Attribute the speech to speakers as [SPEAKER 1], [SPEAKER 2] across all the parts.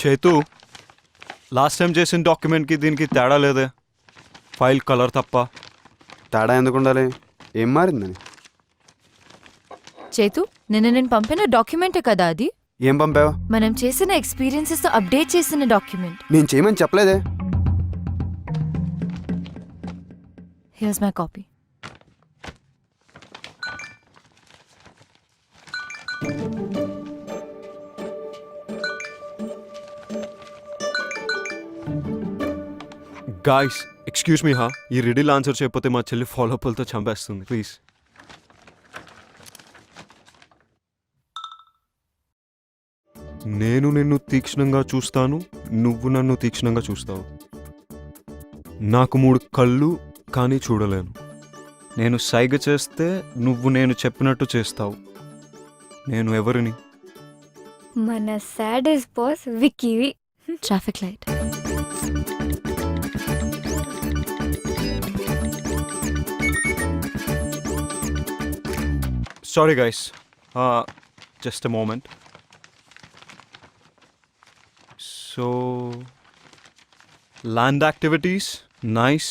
[SPEAKER 1] చేతు last time చేసిన డాక్యుమెంట్కి దీనికి తేడా లేదే, ఫైల్ కలర్ తప్ప.
[SPEAKER 2] తేడా ఎందుకు ఉండాలి? ఏం మారిందని?
[SPEAKER 3] చేతు, నిన్న నేను పంపిన డాక్యుమెంటే కదా అది?
[SPEAKER 2] ఏం పంపావు?
[SPEAKER 3] మనం చేసిన ఎక్స్పీరియన్సెస్ తో అప్డేట్ చేసిన డాక్యుమెంట్.
[SPEAKER 2] నేను చేయమని చెప్పలేదే.
[SPEAKER 3] Here's my copy.
[SPEAKER 1] Guys excuse me హా, ఈ రిడిల్ ఆన్సర్ చేయకపోతే మా చెల్లి ఫాలోఅప్లతో చంపేస్తుంది. ప్లీజ్. నేను నిన్ను తీక్షణంగా చూస్తాను, నువ్వు నన్ను తీక్షణంగా చూస్తావు. నాకు 3 కళ్ళు కానీ చూడలేను. నేను సైగ చేస్తే నువ్వు నేను చెప్పినట్టు చేస్తావు. నేను ఎవరిని?
[SPEAKER 4] మన సాడెస్ట్ బాస్ విక్కీవి.
[SPEAKER 3] Traffic light.
[SPEAKER 1] Sorry guys, just a moment. So, land activities, nice.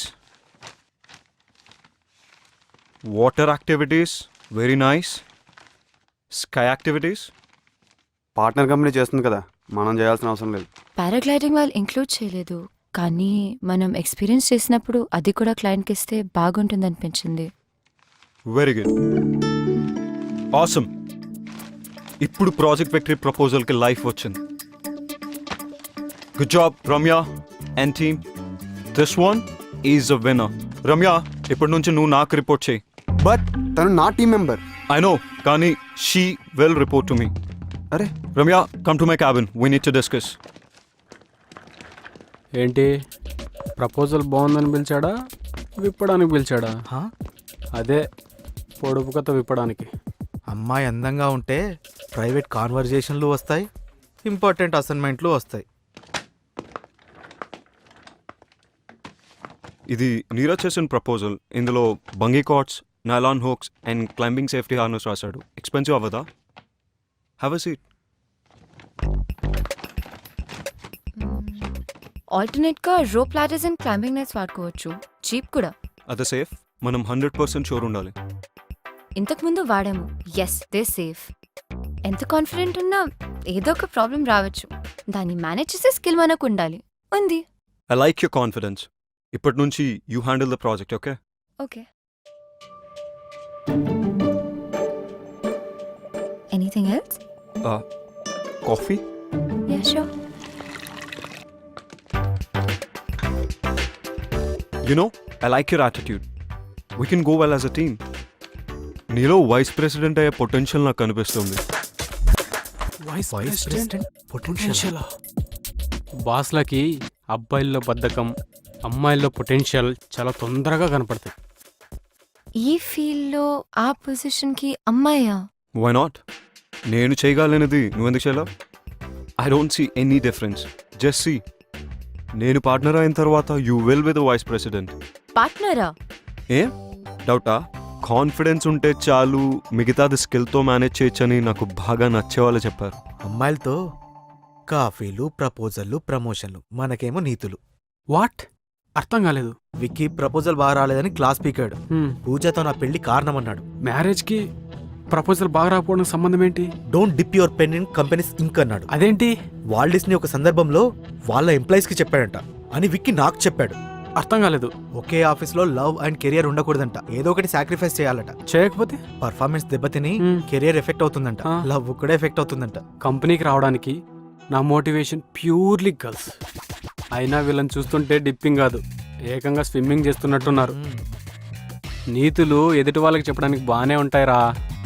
[SPEAKER 1] Water activities, very nice. Sky activities.
[SPEAKER 2] Partner company చేస్తుంది కదా, మనం చేయాల్సిన అవసరం లేదు.
[SPEAKER 3] పారాగ్లైడింగ్ వాళ్ళు ఇంక్లూడ్ చేయలేదు, కానీ మనం ఎక్స్పీరియన్స్ చేసినప్పుడు అది కూడా క్లయింట్కి ఇస్తే బాగుంటుంది అనిపించింది.
[SPEAKER 1] Very good. Awesome. ఇప్పుడు ప్రాజెక్ట్ విక్టరీ ప్రపోజల్కి లైఫ్ వచ్చింది. Good job Ramya and team. This one is a winner. Ramya, ఇప్పటి నుంచి నువ్వు నాకు రిపోర్ట్ చేయి.
[SPEAKER 2] బట్ తను నా టీం మెంబర్.
[SPEAKER 1] ఐ నో, కానీ she will report to me.
[SPEAKER 2] అరే
[SPEAKER 1] Ramya, come to my cabin, we need to discuss.
[SPEAKER 5] ఏంటి, ప్రపోజల్ బాగుందని పిలిచాడా, విప్పడానికి పిలిచాడా? అదే పొడుపు కథ విప్పడానికి.
[SPEAKER 6] అమ్మాయి అందంగా ఉంటే ప్రైవేట్ కాన్వర్జేషన్లు వస్తాయి, ఇంపార్టెంట్ అసైన్మెంట్లు వస్తాయి.
[SPEAKER 1] ఇది నీరజ్ చేసిన ప్రపోజల్. ఇందులో bungee cords, nylon hooks and climbing safety harness రాశాడు. ఎక్స్పెన్సివ్ అవ్వదా? Have a seat.
[SPEAKER 3] ఆల్టర్నేట్ గా rope ladders and climbing nets వాడుకోవచ్చు, చీప్ కూడా.
[SPEAKER 1] అదే సేఫ్. మనం 100% షూర్ ఉండాలి.
[SPEAKER 3] ఇంతకుముందు వాడాము, ఎస్ దే సేఫ్. ఎంత కాన్ఫిడెంట్ ఉన్నా ఏదో ఒక ప్రాబ్లం రావచ్చు, దాన్ని మేనేజ్ చేసే స్కిల్ మనకు ఉండాలి. ఉంది.
[SPEAKER 1] I like your confidence. ఇప్పటి నుంచి you handle the project, okay?
[SPEAKER 3] Okay. Anything else?
[SPEAKER 1] Coffee?
[SPEAKER 3] Yeah sure.
[SPEAKER 1] You know, I like your attitude. We can go well as a team. నీలో vice president అయ్యే potential నాకు కనిపిస్తుంది.
[SPEAKER 5] Vice president potential. బాస్లకి అబ్బాయిల్లో బద్ధకం, అమ్మాయిల్లో పొటెన్షియల్ చాలా తొందరగా కనపడతాయి.
[SPEAKER 3] ఈ ఫీల్డ్లో ఆ పొజిషన్కి అమ్మాయా?
[SPEAKER 1] Why not? నేను చేయగలనేది నువ్వెందుకు చేయలేవు? I don't see any difference. Just see, నేను పార్ట్నర్ అయిన తర్వాత you will be the vice president.
[SPEAKER 3] పార్ట్నరా?
[SPEAKER 1] ఏం డౌటా? కాన్ఫిడెన్స్ ఉంటే చాలు, మిగతాది స్కిల్తో మేనేజ్ చేయొచ్చని నాకు బాగా నచ్చేవాళ్ళు చెప్పారు.
[SPEAKER 6] అమ్మాయిలతో కాఫీలు, ప్రపోజల్లు, ప్రమోషన్లు, మనకేమో నీతులు.
[SPEAKER 5] వాట్? అర్థం కాలేదు.
[SPEAKER 6] విక్కీ ప్రపోజల్ బాగా రాలేదని క్లాస్ పీకాడు. పూజతో నా పెళ్లి కారణమన్నాడు.
[SPEAKER 5] మ్యారేజ్కి ప్రపోజల్ బాగా రాకపోవడం సంబంధం ఏంటి?
[SPEAKER 6] Don't dip your pen in companies ink అన్నాడు.
[SPEAKER 5] అదేంటి?
[SPEAKER 6] వాల్ట్ డిస్నీ ఒక సందర్భంలో వాళ్ళ ఎంప్లాయీస్ కి చెప్పాడంట అని విక్కీ నాకు చెప్పాడు.
[SPEAKER 5] అర్థం కాలేదు.
[SPEAKER 6] ఒకే ఆఫీస్లో లవ్ అండ్ కెరియర్ ఉండకూడదంట, ఏదో ఒకటి సాక్రిఫైస్ చేయాలట.
[SPEAKER 5] చేయకపోతే
[SPEAKER 6] పర్ఫార్మెన్స్ దెబ్బతిని కెరియర్ ఎఫెక్ట్ అవుతుందంట, లవ్ కూడా ఎఫెక్ట్ అవుతుందంట.
[SPEAKER 5] కంపెనీకి రావడానికి నా మోటివేషన్ ప్యూర్లీ గర్ల్స్. అయినా వీళ్ళని చూస్తుంటే డిప్పింగ్ కాదు, ఏకంగా స్విమ్మింగ్ చేస్తున్నట్టున్నారు. నీతులు ఎదుటి వాళ్ళకి చెప్పడానికి బాగానే ఉంటాయిరా.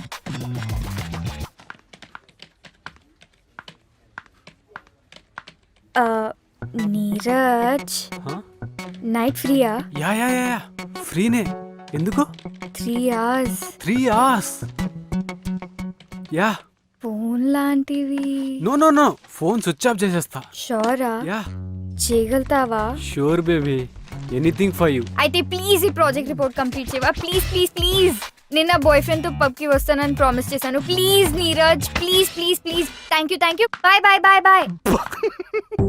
[SPEAKER 4] నీరజ్, నైట్ ఫ్రీయా?
[SPEAKER 5] యా యా యా ఫ్రీనే. ఎందుకు?
[SPEAKER 4] 3 hours.
[SPEAKER 5] 3 hours? యా.
[SPEAKER 4] ఫోన్ లాంటివి?
[SPEAKER 5] No no no, phone switch off చేసేస్తా.
[SPEAKER 4] షోరా?
[SPEAKER 5] యా.
[SPEAKER 4] చేయగలుగుతావా?
[SPEAKER 5] Sure baby, anything for you.
[SPEAKER 4] అయితే ప్లీజ్ ఈ ప్రాజెక్ట్ రిపోర్ట్ కంప్లీట్ చేయవా? Please please please. నేను నా బాయ్ ఫ్రెండ్ తో పబ్ కి వస్తానని ప్రామిస్ చేశాను. Please Neeraj, please please please. Thank you. Bye bye bye bye.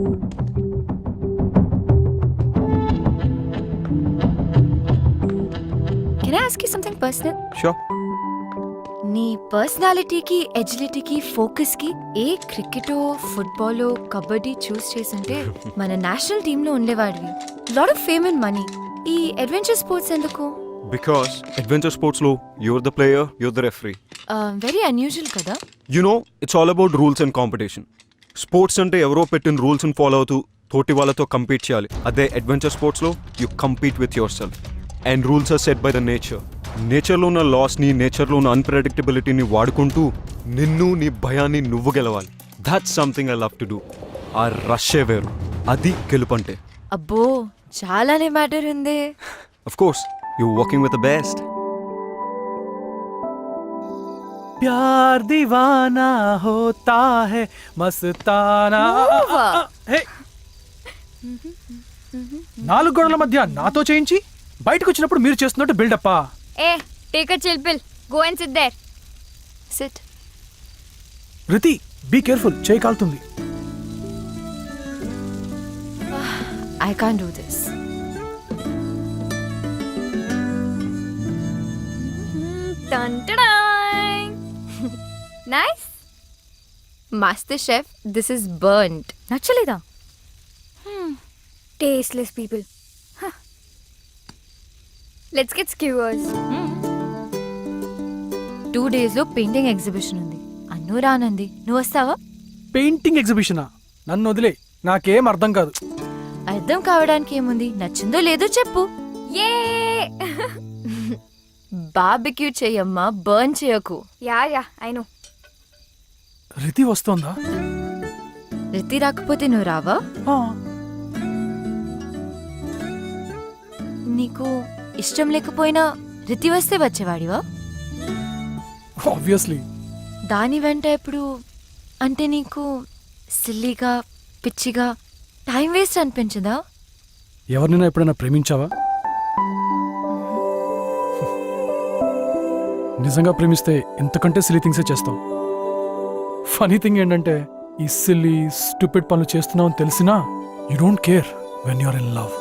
[SPEAKER 3] Can I ask you something personal?
[SPEAKER 1] Sure.
[SPEAKER 3] నీ పర్సనాలిటీకి, ఎజిలిటీకి, ఫోకస్కి ఏ క్రికెటో, ఫుట్బాలో, కబడ్డీ చూస్ చేసుంటే మన నేషనల్ టీంలో ఉండేవాడివి. Lot of fame and money. ఈ అడ్వెంచర్ స్పోర్ట్స్ ఎందుకు?
[SPEAKER 1] బికాస్ అడ్వెంచర్ స్పోర్ట్స్లో you're the player, you're the referee.
[SPEAKER 3] Very unusual కదా.
[SPEAKER 1] You know it's all about rules and competition. Sports అంటే ఎవరో పెట్టిన రూల్స్ని ఫాలో అవుతూ తోటి వాళ్ళతో కంపీట్ చేయాలి. అదే అడ్వెంచర్ స్పోర్ట్స్లో you compete with yourself and rules are set by the nature. నేచర్లో ఉన్న లాస్ని, నేచర్లో ఉన్న అన్ప్రెడిక్టబిలిటీని వాడుకుంటూ నిన్ను, నీ భయాన్ని నువ్వు గెలవాలి. That's something I love to do. ఆ రష్యే వేరు, అది గెలుపంటే.
[SPEAKER 3] అబ్బో చాలానే మ్యాటర్ ఉంది.
[SPEAKER 1] Of course you working with the best.
[SPEAKER 7] प्यार दीवाना होता है मस्ताना హే! నాలుగు గోడల మధ్య నాతో చేయించి బయటకు వచ్చినప్పుడు మీరు చేస్తున్నట్టు బిల్డప్పా.
[SPEAKER 4] Hey take a chill pill, go and sit there.
[SPEAKER 3] Sit.
[SPEAKER 7] Riti be careful, చేయి కాలుతుంది.
[SPEAKER 3] I can't do this.
[SPEAKER 4] Nice.
[SPEAKER 3] Master chef, this is burned.
[SPEAKER 4] నచ్చలేదా? Tasteless people. Let's get skewers.
[SPEAKER 3] 2 days లో పెయింటింగ్ ఎగ్జిబిషన్ ఉంది. అన్ను రానంది, నువ్వు వస్తావా?
[SPEAKER 7] పెయింటింగ్ ఎగ్జిబిషనా? నన్ను వదిలే, నాకేం అర్థం కాదు.
[SPEAKER 3] అర్థం కావడానికి ఏముంది, నచ్చిందో లేదో చెప్పు.
[SPEAKER 4] ఏ
[SPEAKER 3] బార్బిక్యూ చెయ్యమ్మా, బర్న్ చేయకు.
[SPEAKER 4] Yeah I know.
[SPEAKER 7] రితి వస్తోందా?
[SPEAKER 3] రితి రాకపోతే నువ్వు రావా?
[SPEAKER 7] ఆ,
[SPEAKER 3] నీకు ఇష్టం లేకపోయినా రితి వస్తే వచ్చేవాడివా?
[SPEAKER 7] ఆబ్వియస్లీ.
[SPEAKER 3] దాని వెంట ఎప్పుడు అంటే నీకు సిల్లీగా, పిచ్చిగా, టైం వేస్ట్ అనిపించదా?
[SPEAKER 7] ఎవరినైనా ఎప్పుడైనా ప్రేమించావా? నిజంగా ప్రేమిస్తే ఇంతకంటే సిల్లీ థింగ్సే చేస్తాం. ఫనీ థింగ్ ఏంటంటే ఈ సిల్లీ స్టూపిడ్ పనులు చేస్తున్నావు అని తెలిసినా you don't care when you're in love.